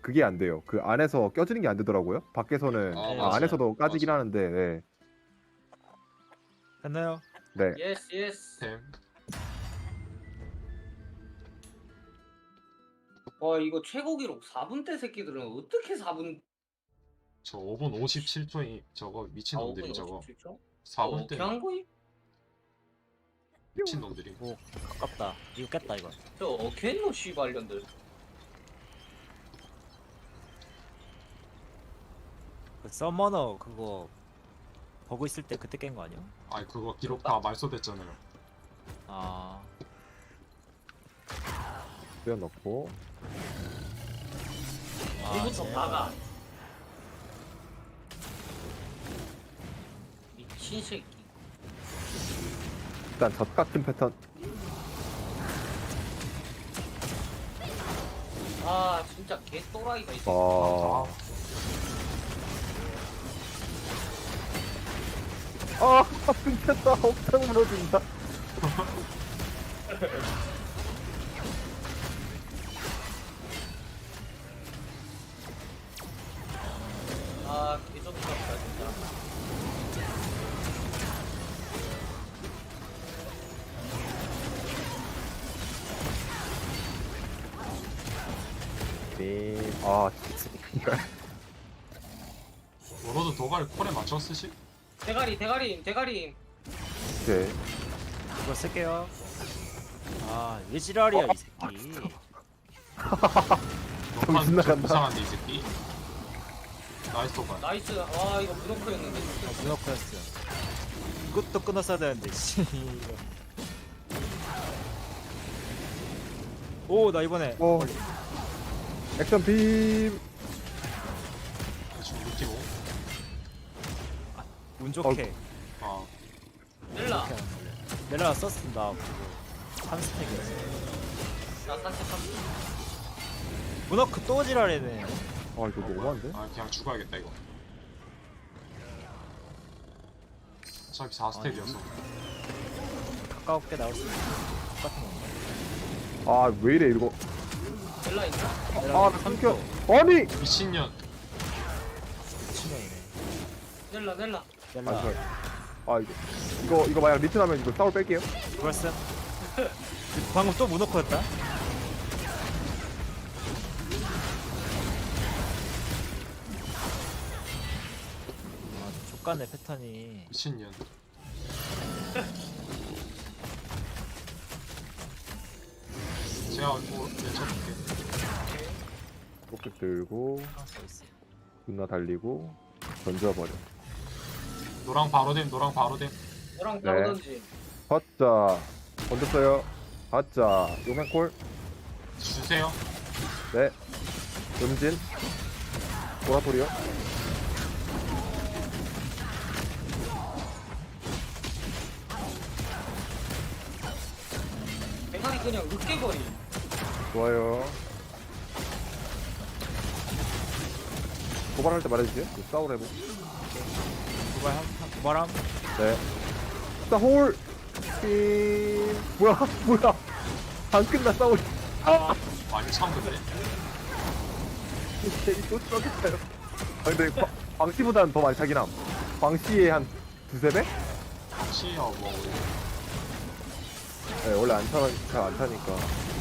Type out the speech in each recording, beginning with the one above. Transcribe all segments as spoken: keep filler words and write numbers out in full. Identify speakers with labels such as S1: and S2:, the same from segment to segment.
S1: 그게 안 돼요. 그 안에서 껴지는 게 안 되더라고요. 밖에서는
S2: 아,
S1: 아,
S2: 맞아요.
S1: 안에서도 까지긴
S2: 맞아요.
S1: 하는데 네.
S3: 됐나요?
S1: 네.
S4: 예스 예스.
S2: 템.
S4: 와 이거 최고 기록 사 분대 새끼들은 어떻게 사 분?
S2: 저 오 분 오십칠 초이 저거 미친놈들이 저거 사 분
S4: 어떻게
S2: 때
S4: 한 거임?
S2: 미친놈들이.
S3: 오 아깝다. 이거 깼다 이거.
S4: 저 어떻게 했노 씨발년들.
S3: 그 서머너 그거 버그 있을 때 그때 깬 거 아니야?
S2: 아니 그거 기록 다 말소됐잖아요.
S3: 아
S1: 빼어넣고
S3: 아,
S4: 이부터
S3: 제발.
S4: 박아. 미친 새끼.
S1: 일단 젖 같은 패턴.
S4: 아 진짜 개 또라이가 있어.
S1: 아. 아, 끊겼다. 옥상 무너진다.
S4: 아 개족같다 진짜.
S1: 네. 아, 진짜.
S2: 워로드 도갈 콜에 맞춰 쓰시?
S4: 대가리 대가리 대가리.
S1: 네.
S3: 이거 쓸게요. 아, 왜 지랄이야 이 새끼.
S1: 정신
S2: 너판
S1: 나간다.
S2: 이상한데 이 새끼. 나이스 도갈.
S4: 나이스. 와 이거 무너크였는데.
S3: 아, 문어크였어. 이것도 끊었어야 되는데. 씨. 오, 나 이번에
S1: 오. 액션 빔.
S2: 대충 느끼고.
S3: 운 좋게.
S2: 아
S4: 넬라.
S3: 넬라 썼습니다. 한 스택이었어.
S4: 나 산책 한.
S3: 문어크 또 지랄이네.
S1: 아, 이거 너무한데?
S2: 아 그냥 죽어야겠다 이거. 어차피 사 스택이어서.
S3: 가깝게 나올 수 있는 똑같은 건가?
S1: 아, 왜 이래, 이거.
S4: 넬라 있나?
S1: 아, 나 끊겨. 아니!
S2: 미친년.
S3: 치명이네.
S4: 넬라 넬라.
S1: 아,
S3: 넬라.
S1: 저, 아, 이거. 이거, 이거 만약 리트 나면 이거 싸울 뺄게요.
S3: 벌써? 방금 또 문어크였다? 아, 족간의 패턴이.
S2: 미친년. 제가 뭐 외쳐볼게.
S1: 로켓 들고,
S3: 아, 써있어.
S1: 존나 달리고, 던져버려.
S2: 노랑 바로 됨. 노랑 바로 됨.
S4: 너랑
S1: 네.
S4: 바로 던지.
S1: 받자. 던졌어요. 받자. 요맨콜.
S2: 주세요.
S1: 네. 음진. 보라토리오.
S4: 대가리 그냥 으깨버리.
S1: 좋아요. 도발할 때 말해주세요. 그 싸우래고.
S3: 두발 한, 한, 두발함?
S1: 네. 자, 홀! 삥. 뭐야, 뭐야. 안 끝나, 싸우리. 아!
S2: 많이 참근데.
S1: 괜히 또 쏘겠어요. 아, 근데 광- 광시보다는 더 많이 차긴 함. 광시의 한 두세 배?
S2: 시야 뭐
S1: 네, 원래 안 차, 잘안 차니까.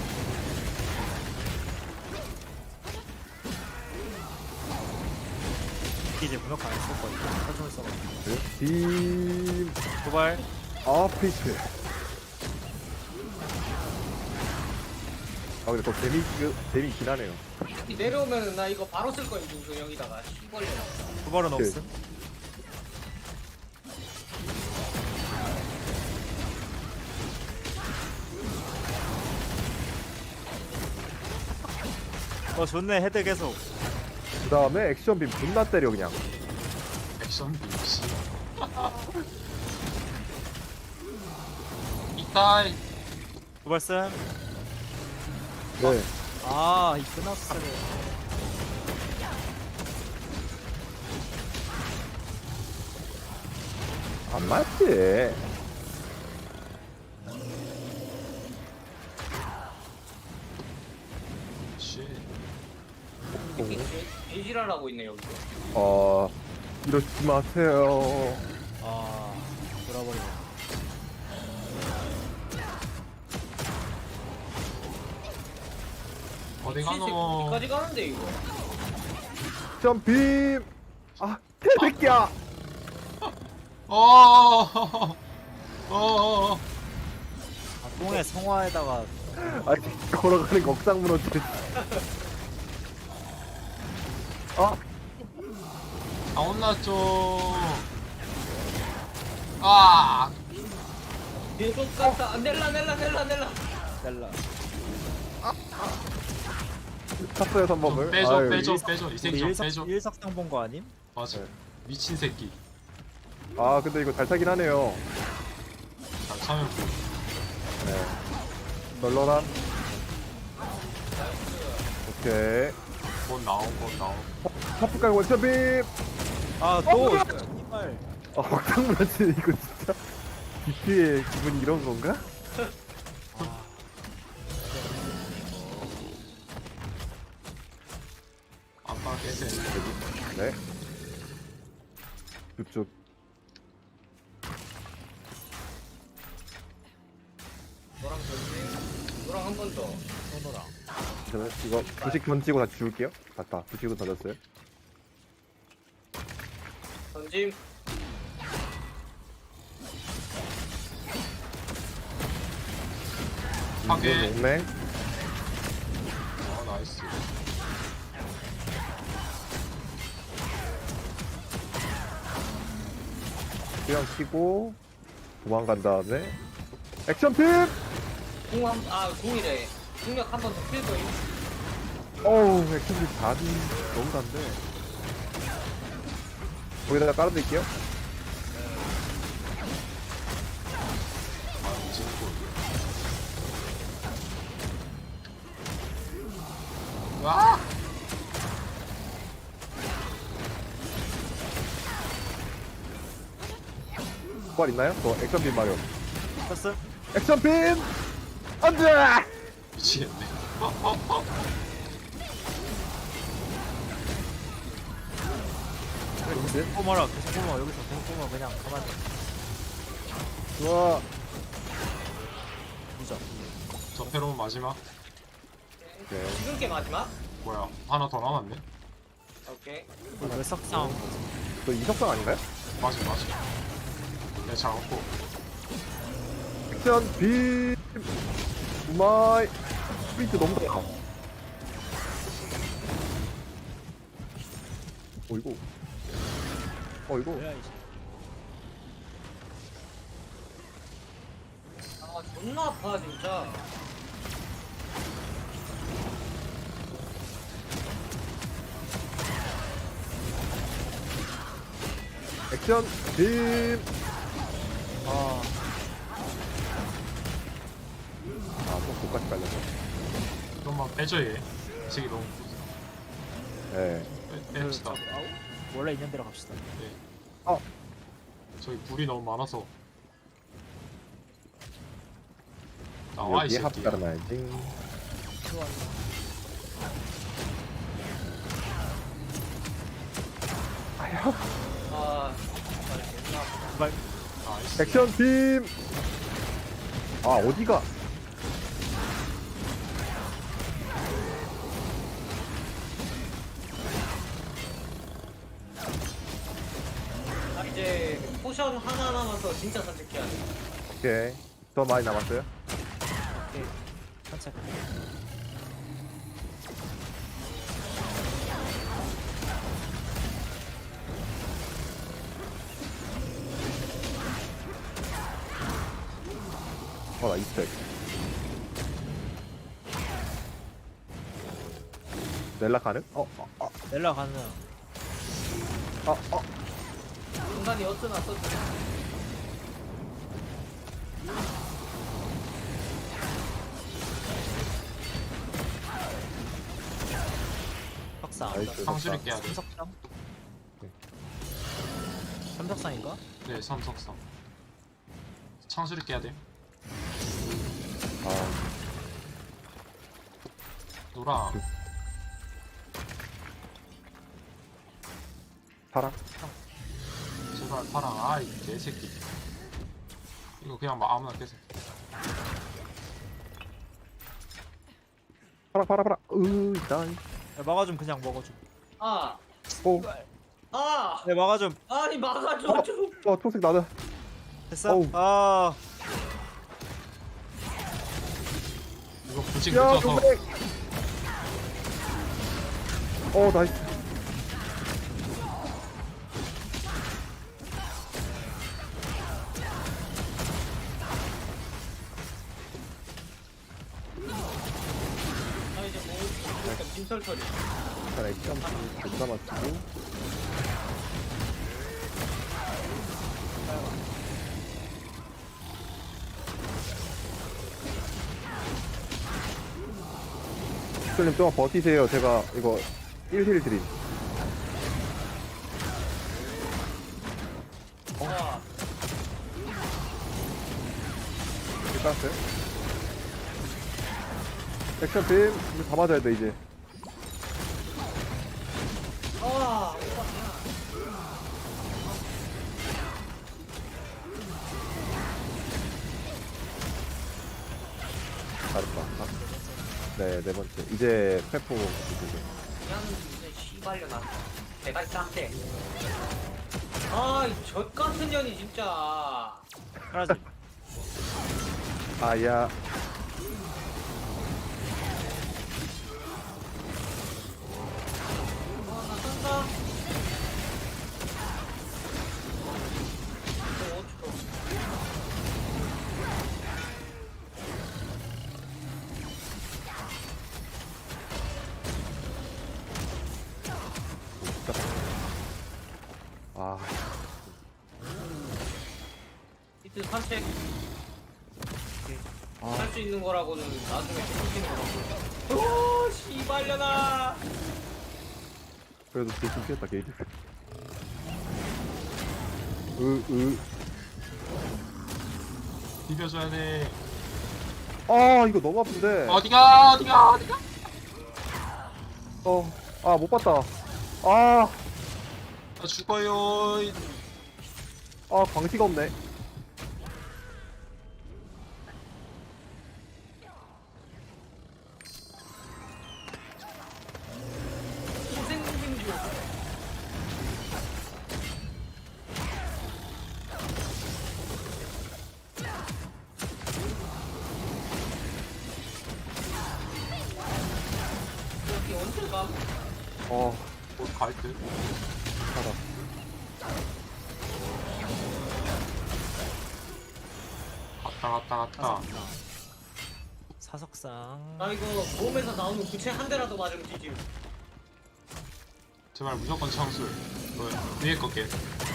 S3: 이제 문어크 안 썼거든요. 설정을 써가지고.
S1: 네. 빔.
S3: 두발.
S1: 아, 페이트. 아, 근데 더 재미, 재미있긴 하네요.
S4: 이 내려오면은 나 이거 바로 쓸 거야 이거 여기다가 시벌려.
S3: 두발은
S1: 오케이.
S3: 없음. 어, 좋네. 헤드 계속.
S1: 그 다음에 액션빔 존나 때려, 그냥.
S2: 액션 빔씨. 이따이.
S3: 두발 쌤.
S1: 네.
S3: 아, 이 끝났어요.
S1: 안 맞지.
S2: 씨.
S1: 오.
S4: 새끼 개지랄하고 있네 여기.
S1: 어 이러지 마세요.
S3: 아 돌아버리네.
S2: 어디
S4: 미친 새끼
S2: 가노?
S4: 어디까지 가는데 이거?
S1: 점빔. 아 개새끼야.
S2: 어. 어.
S3: 아, 똥에 성화에다가
S1: 아 걸어가는 거 억상 무너지네. 아
S2: 아 혼났죠. 아.
S4: 계속 갔다. 넬라 넬라 넬라 넬라.
S3: 넬라.
S1: 탔어요
S2: 좀
S1: 선범을.
S2: 빼줘
S1: 아유,
S2: 빼줘
S3: 일석-
S2: 빼줘 이 새끼
S3: 우리
S2: 좀
S3: 일석
S2: 빼줘.
S3: 일석상 본 거 아님?
S2: 맞아.
S1: 네.
S2: 미친 새끼.
S1: 아 근데 이거 잘 타긴 하네요.
S2: 잘 참여.
S1: 네. 널널함. 오케이.
S2: 곧 나온 곧 나온.
S1: 파프 깔고 점빔.
S3: 아또
S1: 뭐야?
S3: 정말
S1: 아 억상 무너지네 이거 진짜. 디피의 기분이 이런 건가?
S2: 아빠 깨세.
S1: 네. 쭉쭉.
S4: 너랑 전지. 너랑 한 번 더.
S3: 손노랑.
S1: 저는 이거 부식 던지고 다시 줄게요. 맞다. 부식은 던졌어요.
S4: 던짐.
S2: 파괴.
S1: 이건 용맹.
S2: 아 나이스.
S1: 그냥 키고 도망간 다음에 액션 팁!
S4: 궁한 아 궁이래. 궁력 한 번 더 필 거임.
S1: 어우 액션 팁 답이 너무 단데. 거기다가 깔아드릴게요.
S2: 아 미친군. 와.
S1: 부활 있나요? 저 액션 빔 마련.
S3: 패스?
S1: 액션 빔! 안돼!
S2: 미치겠네.
S1: 좋은데?
S3: 꼬마라 계속 꼬마 여기서 계속 꼬마 그냥 가만히
S1: 좋아.
S3: 무적.
S2: 저 페로몬 마지막.
S1: 오케이.
S4: 지금 게 마지막?
S2: 뭐야 하나 더 남았네.
S4: 오케이.
S3: 우리 몇 석상
S1: 저 이석상 아닌가요?
S2: 맞아 맞아. 내 잡았고.
S1: 액션 빔! 마이 스피드 너무 좋다. 어이구. 어이구.
S3: 뭐야 이제.
S4: 아 존나 아파 진짜.
S1: 액션 빔!
S3: 아
S1: 아, 또 독까지 깔렸어.
S2: 좀만 빼줘 얘. 이 새끼 너무
S1: 네.
S2: 빼, 뺍시다.
S3: 그, 아우, 원래 있는 대로 갑시다.
S2: 네.
S1: 어.
S2: 저기 불이 너무 많아서. 나와 이
S1: 여기에 합
S2: 새끼.
S1: 깔아놔야지. 아휴.
S4: 아 정말 존나 아프다.
S3: 제발.
S2: 나이스.
S1: 액션 빔! 아, 어디가?
S4: 아 이제 포션 하나 남아서 진짜 산책해야 돼.
S1: 오케이. 더 많이 남았어요?
S3: 오케이. 산책.
S1: 어, 나 이스택. 넬라 가능? 어, 어, 어,
S3: 넬라 가는.
S1: 어, 어.
S4: 순간이 어쩌나 썼지.
S3: 석상.
S1: 나이스.
S2: 상수리 깨야 돼.
S3: 삼석상?
S1: 네.
S3: 삼석상인가?
S2: 네, 삼석상. 창수리 깨야 돼.
S1: 아,
S2: 놀아.
S1: 파랑.
S2: 제발 파랑. 아이 개새끼. 이거 그냥 막 아무나 깨세.
S1: 파랑 파랑 파랑. 으 일단.
S3: 야, 막아줌 그냥 먹어줌.
S4: 아,
S1: 오.
S4: 아,
S3: 네 막아줌.
S4: 아니 막아줘 좀.
S1: 와 초록색 나는.
S3: 됐어?
S1: 어우.
S3: 아
S2: 이거 부직
S1: 야
S2: 늦어서
S1: 동백. 어 나이스.
S4: 아 이제 뭐 약간 빈털털이.
S1: 일단 액션 존나 맞추고. 님 좀만 버티세요. 제가 이거 일 힐 드림.
S4: 아,
S1: 일단 스 액션 빔 이거 다 맞아야 돼 이제.
S4: 아,
S1: 잘했다. 아, 네, 네 번째. 이제 페포.
S4: 그냥 이제 씨발려나. 대가리 짱대. 아, 이 젖 같은 년이 진짜.
S3: 하나지.
S1: 아야.
S4: 아, 나 산다. 어, 어쩌
S1: 아,
S4: 이틀 산책
S1: 아,
S4: 할 수 있는 거라고는 나중에 시키는 거라고. 오, 씨발려나.
S1: 그래도 대충 피했다 게이지. 으, 으.
S2: 비벼줘야 돼.
S1: 아, 이거 너무 아픈데.
S2: 어디가 어디가 어디가.
S1: 어, 아, 못 봤다. 아,
S2: 나 죽어요.
S1: 아, 광시가 없네.
S4: 희생빙주. 여기 언제 가?
S1: 어,
S2: 곧갈 듯.
S1: 하다.
S2: 갔다 갔다 갔다.
S3: 사석상.
S4: 나 이거 몸에서 나오는 구체 한 대라도 맞으면 뒤짐.
S2: 제발 무조건 청술. 너 위에 거 깨.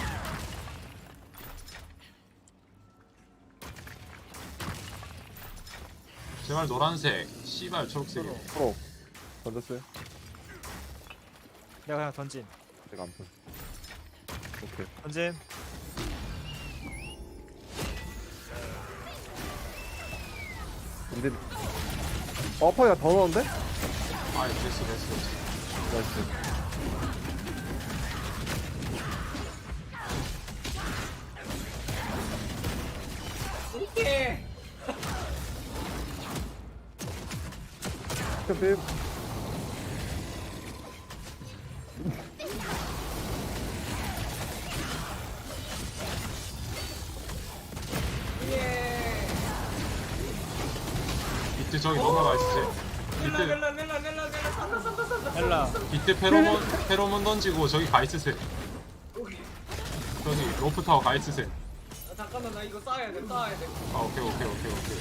S2: 제발 노란색. 씨발 초록색이.
S1: 프로. 던졌어요?
S3: 내가 그냥 던짐.
S1: 제가 안 본. 오케이.
S3: 던짐.
S1: 근데, 어, 파이가 더 넣었는데?
S2: 아이 됐어 됐어 됐어.
S1: 나이스.
S4: 오케이.
S1: 액션 빔.
S4: 예.
S2: 비트 저기 넘어가 있지.
S4: 렐라
S2: 비트
S4: 렐라 렐라 렐라 렐라 산다 산다 산다.
S3: 엘라.
S2: 비트 페로몬 페로몬 던지고 저기 가 있으세요.
S4: 오케이.
S2: 저기 로프 타워 가 있으세요.
S4: 아, 잠깐만 나 이거 쌓아야 돼 쌓아야 돼.
S2: 아 오케이 오케이 오케이 오케이.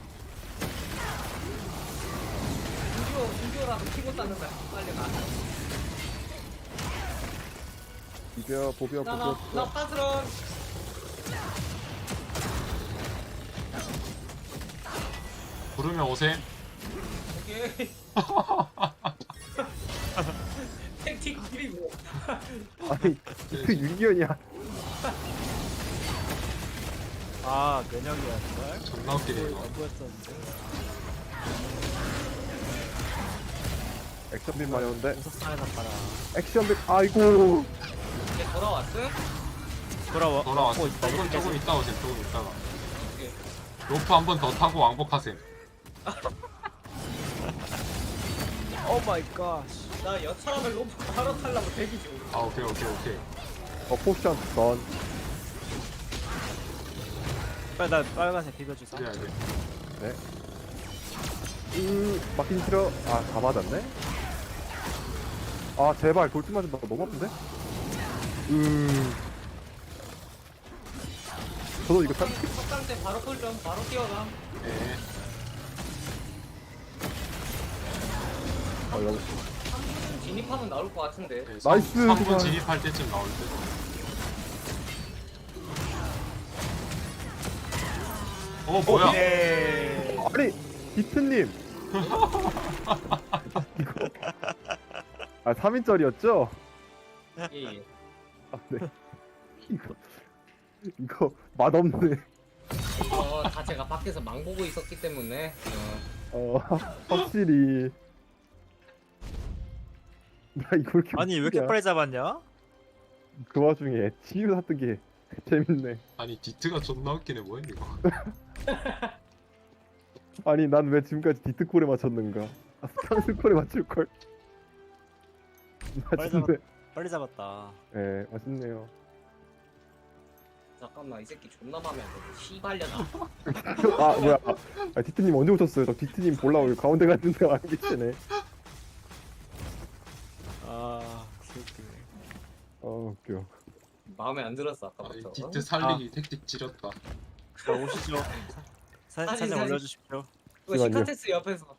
S4: 중교 중교라도 키고 쌓는다. 빨리 나.
S1: 비벼, 보벼,
S4: 나나
S1: 보벼.
S4: 나 파스런.
S2: 부르면 오셈.
S4: 오케이. 택틱 그리고.
S1: 아니, 그 윤기현이야.
S3: 아 면역이야 정말.
S2: 존나 웃기네 이거.
S3: 안 보였었는데.
S1: 액션 빔 많이 오는데?
S3: 공석상에서 봐라.
S1: 액션 빔, 아이고.
S4: 이제 돌아왔음?
S3: 돌아와.
S2: 돌아왔어.
S3: 어, 있다.
S2: 조금
S3: 여기까지.
S2: 조금 있다 오세요. 조금 있다가.
S4: 오케이.
S2: 로프 한 번 더 타고 왕복하셈.
S3: 오 마이 갓.
S4: 나 여차하면 로프 바로 타려고 대기 중.
S2: 아 오케이 오케이 오케이.
S1: 어 포션 던.
S3: 빨리 나 빨간색 비벼주세요.
S2: 그래야 돼.
S1: 네. 음 막힌 싫어. 아다 맞았네. 아 제발 돌진 맞은다. 너무 아픈데? 음. 저도 이거 참.
S4: 석강 때 바로 콜좀 바로 뛰어가.
S2: 네.
S1: 어, 여기.
S4: 삼 분 진입하면 나올 것 같은데.
S2: 네,
S1: 나이스,
S2: 삼 분
S1: 그만.
S2: 진입할 때쯤 나올 듯. 어 뭐야?
S3: 예.
S1: 아니 비트님. 이거. 아 삼 인짜리였죠?
S4: 예, 예.
S1: 아 네. 이거 이거 맛없네.
S4: 이거 다 제가 밖에서 망 보고 있었기 때문에. 어.
S1: 어 확실히. 나 이거 왜 이렇게
S3: 아니 왜 이렇게
S1: 웃기냐?
S3: 빨리 잡았냐?
S1: 그 와중에 치유 샀던 게 재밌네.
S2: 아니 디트가 존나 웃기네 뭐야 이거.
S1: 아니 난 왜 지금까지 디트콜에 맞췄는가? 아, 스탕스콜에 맞출 걸. 맛있네.
S3: 빨리 잡았다.
S1: 예, 맛있네요.
S4: 잠깐만 이 새끼 존나 맘에 안 드네. 씨발려나.
S1: 아 뭐야? 아, 디트님 언제 오셨어요? 저 디트님 보려고 여기 가운데 갔는데 안 계시네.
S3: 아 귀엽네.
S1: 어 웃겨.
S4: 마음에 안 들었어
S2: 아니,
S4: 아까부터.
S2: 디트 살리기 택틱 지렸다.
S3: 자 오시죠. 사,
S4: 사진,
S3: 사진
S4: 사진.
S3: 올려주십시오.
S4: 이거
S1: 잠시만요.
S4: 시카테스 옆에서